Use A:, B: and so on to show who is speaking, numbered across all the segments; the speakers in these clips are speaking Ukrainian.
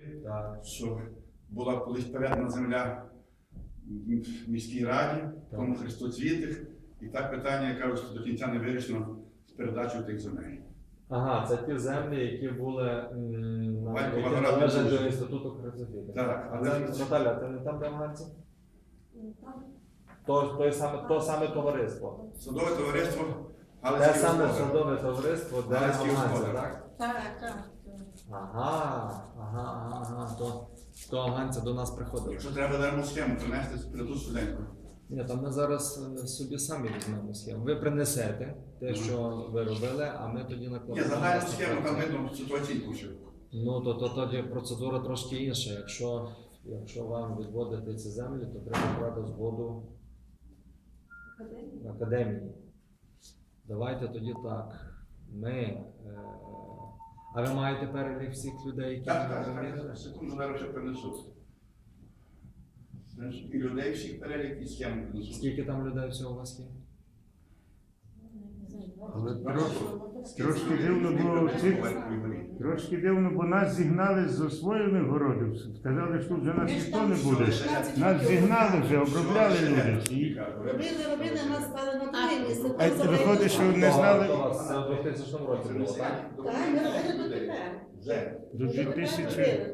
A: Так.
B: що була колись передана земля в міській раді, тому хрестоцвітих, і так питання, я кажу, що до кінця не вирішено з передачею тих земель.
A: Ага, це ті землі, які були
B: Батькова
A: які
B: гора
A: належать
B: Білорусі.
A: до інституту хрестоцвіту.
B: Так,
A: А
B: але
A: це, Наталя, ти не там, де афганці? То саме товариство.
B: Садове товариство, але
A: Те саме садове товариство, де
B: Галицький
A: афганці,
B: господар.
A: так?
C: Так.
A: Ага. То афганці до нас приходили.
B: Якщо треба дармо схему принести, прийду студентку.
A: Ні, там ми зараз собі самі візьмемо схему. Ви принесете те, що ви робили, а ми тоді
B: Ні,
A: накладемо.
B: загальну схему, там видно ситуаційну ще.
A: Ну, то тоді процедура трошки інша. Якщо вам відводити ці землі, то треба брати згоду академії. Давайте тоді так. А ви маєте перелік всіх людей, які
B: Так,
A: відвідали?
B: секунду, зараз ще принесу. І людей всіх перелік, і схему принесу.
A: Скільки там людей всього у вас є?
D: Але трошки дивно було трошки дивно, бо нас зігнали з освоєних городів. Сказали, що вже нас ніхто не буде. Нас зігнали вже, обробляли люди.
C: Робили, нас стали на друге місце.
D: А виходить, що не знали
A: Це у 2000 році було, так?
C: Так, ми робили дотепер.
D: до 2000.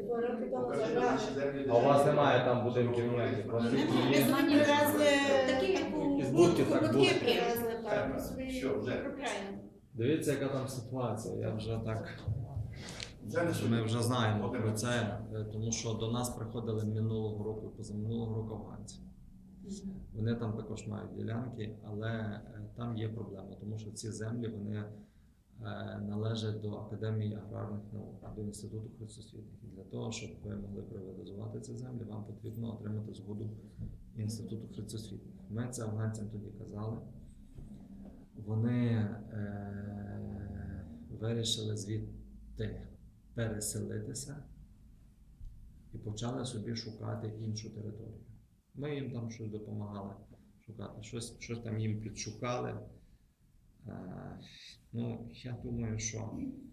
A: А у вас немає там будинків ніяких? У вас
C: Ми
A: тільки є?
C: привезли такі, як
A: Із будки, так,
C: будки
A: будки.
C: привезли, так, собі
B: Що, вже?
C: купляємо.
A: Дивіться, яка там ситуація. Я вже так.
B: Вже не
A: Ми вже знаємо про це, тому що до нас приходили минулого року, позаминулого року афганці. Вони там також мають ділянки, але там є проблема, тому що ці землі вони належать до Академії аграрних наук, до Інституту хрестоцвітних. І для того, щоб ви могли приватизувати ці землі, вам потрібно отримати згоду Інституту хрестоцвітних. Ми це афганцям тоді казали. Вони вирішили звідти переселитися і почали собі шукати іншу територію. Ми їм там щось допомагали шукати, щось там їм підшукали. Я думаю, що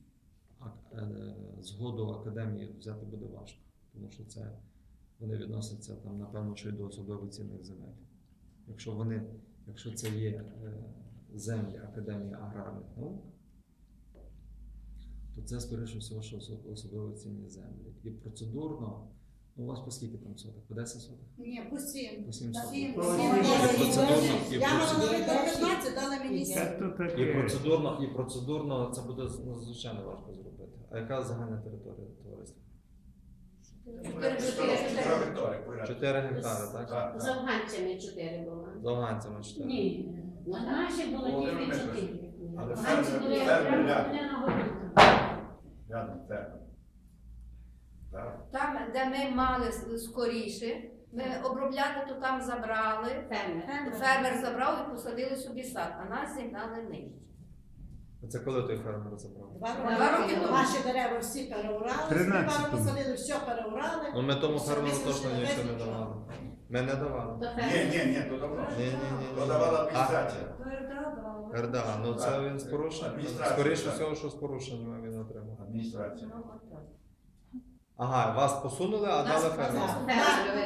A: згоду академії взяти буде важко, тому що вони відносяться там, напевно, що й до особливо цінних земель. Якщо це є землі Академії аграрних наук, то це, скоріше всього, що особливо цінні землі. І процедурно, у вас по скільки там соток? По 10 соток?
C: Ні, по 7.
A: По 7 соток.
C: Я
A: процедурно,
C: мала на 15, дали мені 7.
A: І процедурно це буде надзвичайно важко зробити. А яка загальна територія товариства? 4 гектари, так?
E: З афганцями 4 було.
A: З афганцями 4.
E: Ні, наші було тільки 4.
B: Але
E: Афганці
B: фермер-
E: були
B: фермер
E: прямо
B: рядом.
E: на горі.
B: Рядом, фермер. Так.
F: Там, де ми мали скоріше, ми обробляти, то там забрали.
E: Фермер.
F: Фермер забрав і посадили собі сад, а нас зігнали нижче.
A: Це коли той фермер забрав?
C: 2 роки тому. Наші дерева всі переурали,
D: 13-му.
C: пару посадили, все переурали.
A: Ну ми тому
C: Все,
A: фермеру
C: висушили,
A: точно нічого не
C: висушили.
A: давали. Ми не давали.
E: То фермер.
B: Ні, то давно.
A: Ні.
B: То давала адміністрація.
A: РДА, ну це він з порушенням.
B: Адміністрація,
A: Скоріше
B: так.
A: всього, що з порушенням він отримав.
B: Адміністрація.
A: Ага, вас посунули, а дали фермеру.
E: Фермер.